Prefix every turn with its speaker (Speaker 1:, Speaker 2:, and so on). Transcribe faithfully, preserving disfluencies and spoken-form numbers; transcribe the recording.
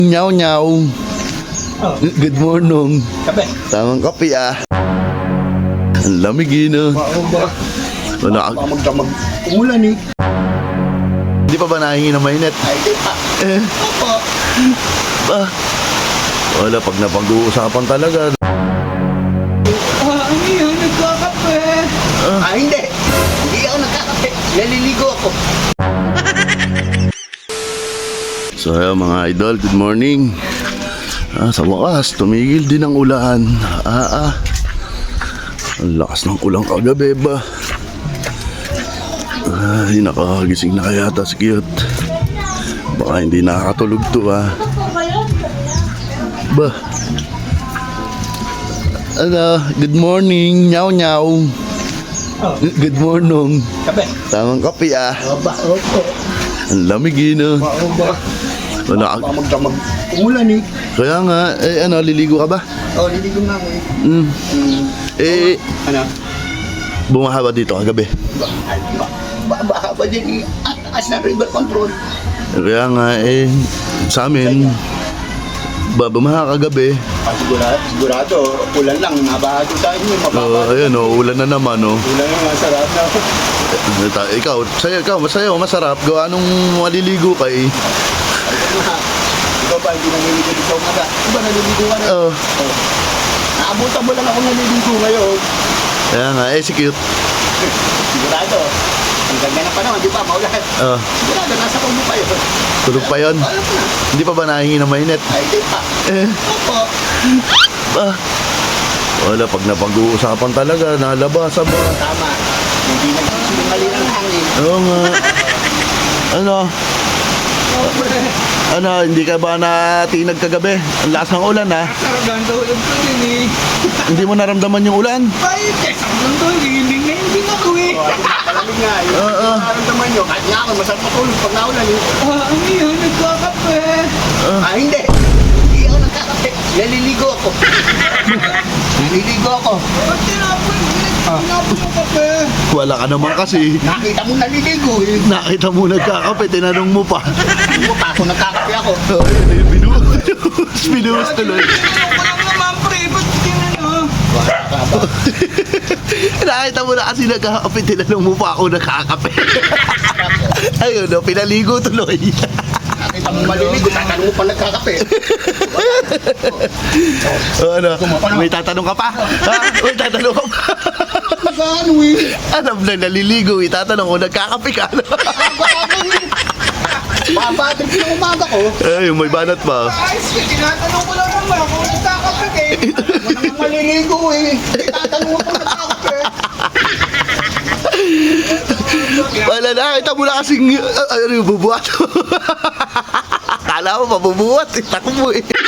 Speaker 1: Nyaw nyaw.
Speaker 2: Oh.
Speaker 1: Good morning.
Speaker 2: Kape.
Speaker 1: Tamang kape ah. Ang lamig yun ah.
Speaker 2: Baka ba?
Speaker 1: Wala
Speaker 2: Baka
Speaker 1: ka.
Speaker 2: magdamag. Umulan eh.
Speaker 1: Hindi pa ba nahingi ng mainit?
Speaker 2: Ay, di pa.
Speaker 1: Eh,
Speaker 2: Opo.
Speaker 1: ba? Wala, pag napag-uusapan talaga.
Speaker 2: Ah, ano yun? Nagkakape. Ah, hindi. Hindi ako nagkakape. Naliligo ako.
Speaker 1: So ayun mga idol, good morning. Ah, sa wakas, tumigil din ang ulan. Ah, ah. Ang lakas ng ulan kagabi ba? Ay, nakagising na kaya ta si Cute. Baka hindi nakakatulog to ah. Ba? Ano, good morning, nyaw nyaw.
Speaker 2: Oh.
Speaker 1: Good morning.
Speaker 2: Kape.
Speaker 1: Tamang kape ah.
Speaker 2: Oba, opo.
Speaker 1: Ang lamig yun ah.
Speaker 2: Baka ba?
Speaker 1: Wala
Speaker 2: Baka
Speaker 1: ka.
Speaker 2: magdamag. Umulan eh.
Speaker 1: Kaya nga, eh ano, liligo ka ba?
Speaker 2: Oh, naligo na ako eh.
Speaker 1: Mm.
Speaker 2: Hmm.
Speaker 1: Eh,
Speaker 2: Ano?
Speaker 1: bumaha ba dito kagabi?
Speaker 2: Ba, ay, ba, ba, baka ba din eh. At taas na river control.
Speaker 1: Kaya nga, eh, sa amin, ba, bumaha kagabi.
Speaker 2: Ah, sigurado, sigurado. Ulan lang. Nabahado tayo eh.
Speaker 1: Oh,
Speaker 2: Mababa.
Speaker 1: ayun, oh, ulan na naman, oh.
Speaker 2: Ulan lang. Masarap na.
Speaker 1: Eh, ta- Ikaw, sa'yo, ikaw, masaya, masarap. Gawa nung maliligo ka, eh.
Speaker 2: Ikaw ba, hindi naliligo dito umaga? Di ba naliligo ka na?
Speaker 1: Oh,
Speaker 2: Oh. Naabutan mo lang ako naliligo ngayon.
Speaker 1: kaya nga, eh, si Cute.
Speaker 2: Sigurado. Ang ganda na pa naman, di ba? Maulan.
Speaker 1: Oh,
Speaker 2: Sigurado, nasa kubo pa yun.
Speaker 1: tulog pa yun.
Speaker 2: Alam na.
Speaker 1: Hindi pa ba nahingi ng mainit?
Speaker 2: Ay, di pa.
Speaker 1: Eh,
Speaker 2: Opo.
Speaker 1: ba? Wala, pag napag-uusapan talaga, nalabasa ba?
Speaker 2: Tama. Hindi nagsisinungali ng hangin.
Speaker 1: Oo nga. Ano? Ano, hindi ka ba natinag kagabi? Ang lakas ng ulan, ha?
Speaker 2: Sarang tulog ko din eh.
Speaker 1: Hindi mo naramdaman yung ulan?
Speaker 2: Ay, sarang tulog. Hindi na hindi ako eh. Palamig nga eh.
Speaker 1: Oo.
Speaker 2: Nararamdaman nyo. Kahit nga ako, masarap matulog pag naulan eh. Ah, ano yun? Nagkakape. Ah, hindi. Hindi ako nagkakape. Naliligo ako. Naliligo ako. Ba't tinapon? Tinapon yung kape.
Speaker 1: Wala ka naman kasi.
Speaker 2: Nakita mo naliligo eh.
Speaker 1: Nakita mo nagkakape, tinanong mo pa.
Speaker 2: Hindi mo pa ako nagkakape ako.
Speaker 1: Oh, yun, binuhos. Binuhos tuloy.
Speaker 2: Ako lang naman pre. Ba't tinanong? Wala ka ba?
Speaker 1: Nakita mo na kasi nagkakape, tinanong mo pa ako nagkakape. Ayun, no, pinaligo tuloy.
Speaker 2: Nakita mo maliligo. Tatanong mo pa nagkakape.
Speaker 1: O ano, may tatanong ka pa? Ha? May tatanong ka pa?
Speaker 2: Ano eh?
Speaker 1: Alam na naliligo, itatanong ko, nagkakape ka.
Speaker 2: Babatrip na umaga ko.
Speaker 1: Ay, may banat pa.
Speaker 2: Ayos, tinatanong ko lang naman kung nagkakape eh. Ako naman maliligo eh. Tinatanong mo kung nagkakape.
Speaker 1: Wala na, kita mo na kasing, uh, ano yung bubuhat. Kala mo mabubuhat, eh, takbo eh.